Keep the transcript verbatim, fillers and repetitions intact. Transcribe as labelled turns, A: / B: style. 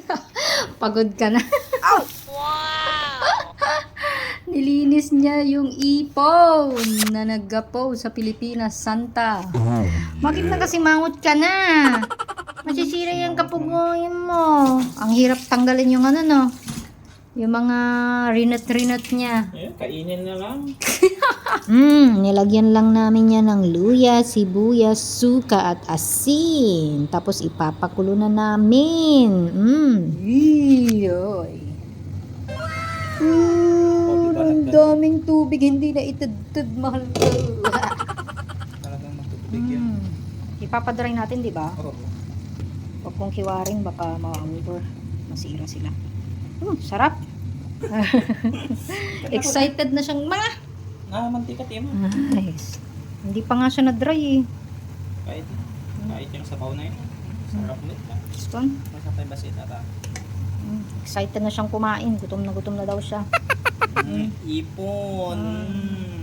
A: Pagod ka na.
B: Wow!
A: Nilinis niya yung ipon na naggapo sa Pilipinas, Santa. Bakit na kasi mangot ka na? Masisira yung kapugoyin mo. Ang hirap tanggalin yung ano, no? Yung mga rinat-rinat niya.
B: Ayun, kainin na lang.
A: Hmm, nilagyan lang namin yan ng luya, sibuyas, suka at asin. Tapos ipapakulo na namin. Hmm. Iyoy.
B: Oh,
A: Uh,
B: diba,
A: ang
B: nagdad-
A: daming tubig, hindi na itudtod, mahal ko.
B: Talagang matutubig yan.
A: Hmm. Ipapadry natin, di ba?
B: Oo.
A: Huwag kong kiwaring, baka ma-over. Masira sila. Hmm, sarap. Excited na siyang mga.
B: Ah, mantika, Timo.
A: Nice. Hindi pa nga siya na-dry eh.
B: Kahit, kahit yung sabaw na yun. Sarap ulit lang.
A: Stone.
B: Masapay basit ata.
A: Mm, excited na siyang kumain. Gutom na gutom na daw siya.
B: Mm, ipon.
A: Mm.
B: Mm.